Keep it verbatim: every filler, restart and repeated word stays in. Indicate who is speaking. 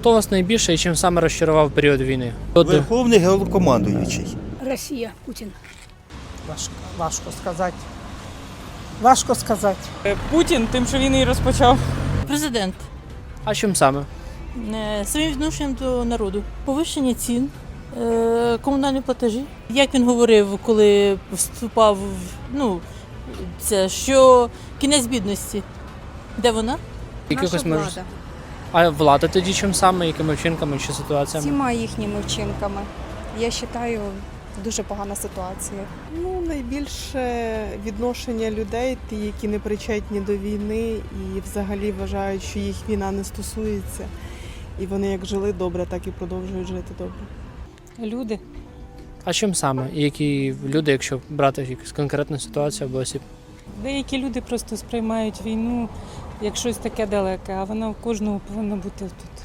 Speaker 1: Хто вас найбільше і чим саме розчарував в період війни?
Speaker 2: Верховний головнокомандуючий.
Speaker 3: Росія, Путін.
Speaker 4: Важко, важко сказати. Важко сказати.
Speaker 5: Путін тим, що він її розпочав.
Speaker 6: Президент
Speaker 1: А чим саме?
Speaker 6: е, своїм відношенням до народу. Повищення цін, е, комунальні платежі. Як він говорив, коли вступав, в- ну, це що кінець бідності. Де вона?
Speaker 1: Якихось
Speaker 7: Наша
Speaker 1: мож-
Speaker 7: влада.
Speaker 1: А влада тоді чим саме, якими вчинками чи ситуаціями?
Speaker 7: Всіма їхніми вчинками. Я вважаю, дуже погана ситуація.
Speaker 8: Ну, найбільше відношення людей, ті, які не причетні до війни і взагалі вважають, що їх війна не стосується. І вони як жили добре, так і продовжують жити добре.
Speaker 5: Люди.
Speaker 1: А чим саме? І які люди, якщо брати якусь конкретну ситуацію або осіб?
Speaker 5: Деякі люди просто сприймають війну як щось таке далеке, а вона у кожного повинна бути тут.